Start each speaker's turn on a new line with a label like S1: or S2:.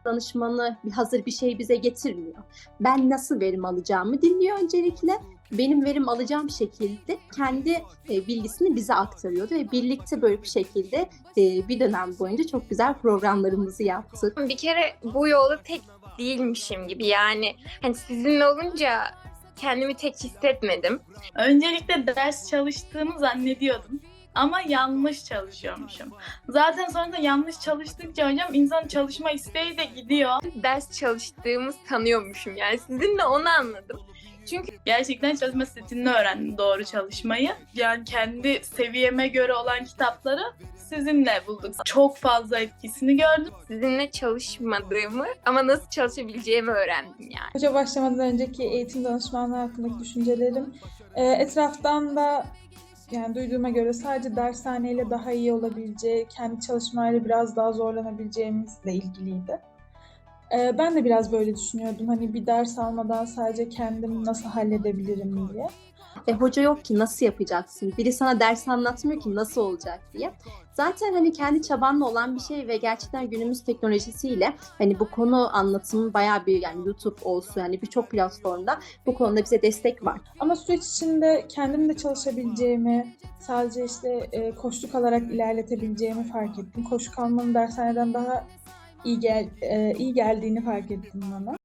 S1: danışmanı hazır bir şey bize getirmiyor. Ben nasıl verim alacağımı dinliyor öncelikle. Benim verim alacağım şekilde kendi bilgisini bize aktarıyordu ve birlikte böyle bir şekilde bir dönem boyunca çok güzel programlarımızı yaptık.
S2: Bir kere bu yolda tek değilmişim gibi, yani hani sizinle olunca kendimi tek hissetmedim.
S3: Öncelikle ders çalıştığımı zannediyordum. Ama yanlış çalışıyormuşum. Zaten sonra da yanlış çalıştıkça hocam insanın çalışma isteği de gidiyor.
S2: Ders çalıştığımı sanıyormuşum, yani sizinle onu anladım. Çünkü
S3: Gerçekten çalışma stilini öğrendim, doğru çalışmayı. Yani kendi seviyeme göre olan kitapları sizinle bulduk. Çok fazla etkisini gördüm.
S2: sizinle çalışmadığımı ama nasıl çalışabileceğimi öğrendim yani.
S4: Hoca başlamadan önceki eğitim danışmanlığı hakkındaki düşüncelerim etraftan da yani duyduğuma göre sadece dershaneyle daha iyi olabileceği, kendi çalışmayla biraz daha zorlanabileceğimizle ilgiliydi. Ben de biraz böyle düşünüyordum. Hani bir ders almadan sadece kendim nasıl halledebilirim diye.
S1: Hoca yok ki nasıl yapacaksın? Biri sana ders anlatmıyor ki nasıl olacak diye. Zaten hani kendi çabanla olan bir şey ve gerçekten günümüz teknolojisiyle hani bu konu anlatımı bayağı bir, yani YouTube olsun, yani birçok platformda bu konuda bize destek var.
S4: Ama süreç içinde kendim de çalışabileceğimi, sadece işte koşluk alarak ilerletebileceğimi fark ettim. Koşluk almanın dershaneden daha iyi geldiğini fark ettim bana.